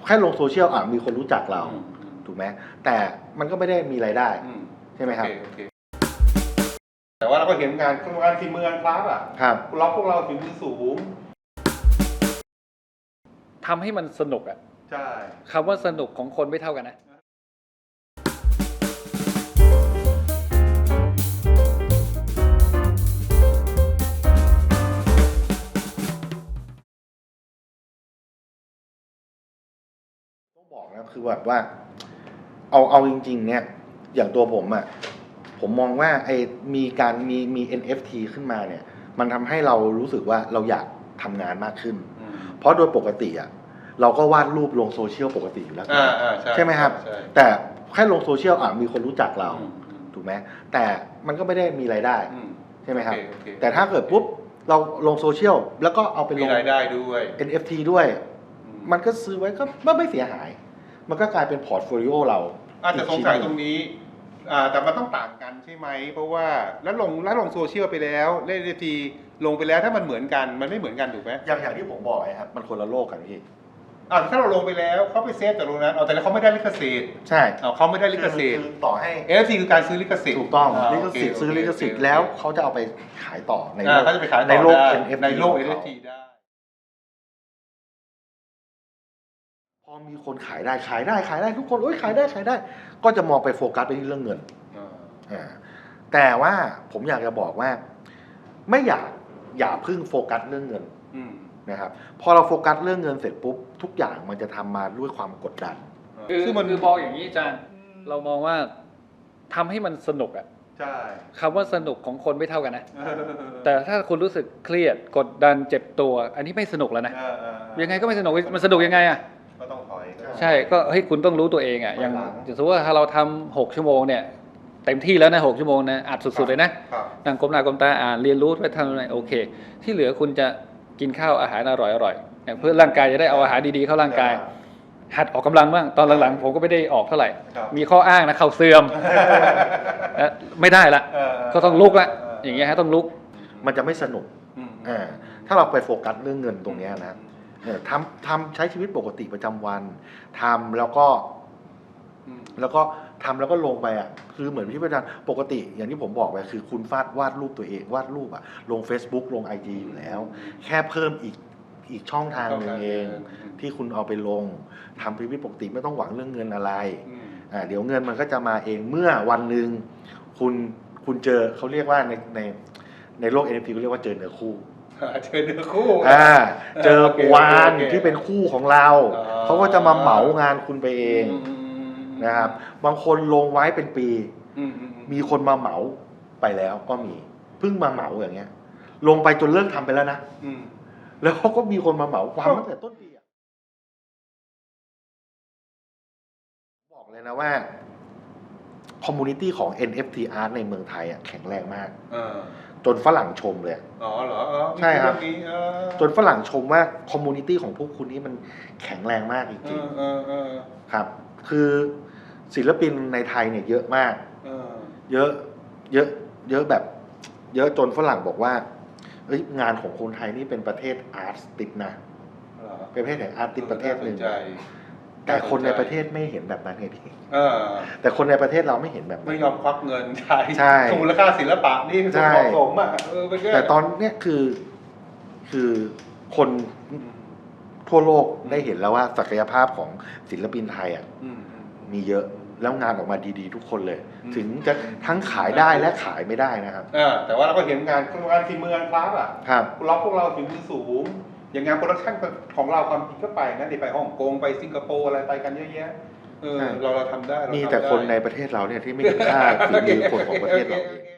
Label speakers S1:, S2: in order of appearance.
S1: แค่ลงโซเชียลมีคนรู้จักเราถูกไหมแต่มันก็ไม่ได้มีรายได้ใช่ไหมครับ
S2: แต่ว่าเราก็เห็นงานฝีมืองานคราฟต์อ่ะ
S1: ครับ
S2: เราพวกเราฝีมือสูง
S3: ทำให้มันสนุกอ่ะ
S2: ใช่
S3: คำว่าสนุกของคนไม่เท่ากันนะ
S1: ต้องบอกนะคือแบบว่าเอาจริงๆเนี่ยอย่างตัวผมอ่ะผมมองว่ามี NFT ขึ้นมาเนี่ยมันทำให้เรารู้สึกว่าเราอยากทำงานมากขึ้นเพราะโดยปกติอ่ะเราก็วาดรูปลงโซเชียลปกติอยู่แล้วใช่ไหมครับแต่แค่ลงโซเชียลมีคนรู้จักเราถูกไหมแต่มันก็ไม่ได้มีรายได้ใช่ไหมครับแต่ถ้าเกิดปุ๊บเราลงโซเชียลแล้วก็เอาไปลง
S2: รายได้ด้วย
S1: NFT ด้วยมันก็ซื้อไว้ก็ไม่เสียหายมันก็กลายเป็นพอร์ตโฟลิโอเรา
S2: อาจจะสงสัยตรงนี้แต่มันต้องต่างกันใช่ไหมเพราะว่าแล้วลงโซเชียลไปแล้วเล่นทีลงไปแล้วถ้ามันเหมือนกันมันไม่เหมือนกันถูกไหม
S1: อย่างที่ผมบอกไงครับมันคนละโลกกันพี่
S2: ถ้าเราลงไปแล้วเขาไปเซฟจากตรงนั้นแต่แล้วเขาไม่ได้ลิขสิทธิ์
S1: ใช่
S2: เขาไม่ได้ลิขสิทธิ์
S1: ต่อให้
S2: NFT คือการซื้อลิขสิทธิ์
S1: ถูกต้องลิขสิทธิ์ซื้อลิขสิทธิ์แล้วเขาจะเอาไปขายต่อในโลก
S2: เขาจะไปขาย
S1: ในโลก
S2: NFT ในโลก NFT ได้
S1: พอมีคนขายได้ทุกคนขายได้ก็จะมองไปโฟกัสไปที่เรื่องเงินแต่ว่าผมอยากจะบอกว่าไม่อย่าพึ่งโฟกัสเรื่องเงินนะครับพอเราโฟกัสเรื่องเงินเสร็จปุ๊บทุกอย่างมันจะทำมาด้วยความกดดัน
S3: คือมองอย่างนี้อาจารย์เรามองว่าทำให้มันสนุกอ่ะ
S2: ใช่
S3: คำว่าสนุกของคนไม่เท่ากันนะแต่ถ้าคุณรู้สึกเครียดกดดันเจ็บตัวอันนี้ไม่สนุกแล้วนะยังไงก็ไม่สนุกมันสนุกยังไงอ่ะ
S2: ก็ต้องถอย
S3: ใช่ก็คุณต้องรู้ตัวเองอ่ะอย่างสมมติว่าถ้าเราทำ6 ชั่วโมงเนี่ยเต็มที่แล้วนะ6 ชั่วโมงนะอัดสุดๆเลยนะนั่งก้มหน้าก้มตาอ่านเรียนรู้ไปทำอะไรโอเคที่เหลือคุณจะกินข้าวอาหารอร่อยเพื่อร่างกายจะได้เอาอาหารดีๆเข้าร่างกายหัดออกกำลังบ้างตอนหลังๆผมก็ไม่ได้ออกเท่าไหร่มีข้ออ้างนะเข่าเสื่อมไม่ได้ละก็ต้องลุกละอย่างเงี้ยฮะต้องลุก
S1: มันจะไม่สนุกถ้าเราไปโฟกัสเรื่องเงินตรงนี้นะทำใช้ชีวิตปกติประจำวันทำแล้วก็ทำแล้วก็ลงไปคือเหมือนที่อาจารย์ปกติอย่างที่ผมบอกไปคือคุณวาดรูปตัวเองวาดรูปลง Facebook ลง IG อยู่แล้วแค่เพิ่มอีกช่องทางนึงเองที่คุณเอาไปลงทำชีวิตปกติไม่ต้องหวังเรื่องเงินอะไรเดี๋ยวเงินมันก็จะมาเองเมื่อวันหนึ่งคุณเจอเขาเรียกว่าในโลก NFT เขาเรียกว่าเจอเนื้อคู่เจอวานที่เป็นคู่ของเราเขาก็จะมาเหมางานคุณไปเองนะครับบางคนลงไว้เป็นปีมีคนมาเหมาไปแล้วก็มีเพิ่งมาเหมาอย่างเงี้ยลงไปจนเลิกทำไปแล้วนะแล้วเขาก็มีคนมาเหมาความตั้งแต่ต้นปีบอกเลยนะว่าคอมมูนิตี้ของ NFT Art ในเมืองไทยแข็งแรงมากจนฝรั่งชมเลย
S2: เหรอ
S1: ใช่ครับจนฝรั่งชมว่าคอมมูนิตี้ของพวกคุณนี่มันแข็งแรงมากจริงๆครับคือศิลปินในไทยเนี่ยเยอะมากเยอะแบบเยอะจนฝรั่งบอกว่างานของคนไทยนี่เป็นประเทศอาร์ตติดนะเป็นประเทศแห่งอาร์ตติดประเทศหนึ่งแต่คนในประเทศไม่เห็นแบบนั้นไงพี่แต่คนในประเทศเราไม่เห็นแบบนั้น
S2: ไม่ยอมควักเงินใช่มูลค่าศิลปะนี่คือเหมาะสม
S1: แต่ตอนเนี้ยคือคนทั่วโลกได้เห็นแล้วว่าศักยภาพของศิลปินไทยมีเยอะแล้วงานออกมาดีๆทุกคนเลยถึงจะทั้งขายได้และขายไม่ได้นะครับ
S2: แต่ว่าเราก็เห็นงานฝีมืองานคราฟต์เราพวกเราฝีมือสูงอย่างงานโปรดักชั่นของเราความจริงก็ไปนะไปฮ่องกงไปสิงคโปร์อะไรไปกันเยอะแยะเราทำได้
S1: มีแต่คนในประเทศเราเนี่ยที่ไม่เห็นค่าฝีมือคนของประเทศเราเอง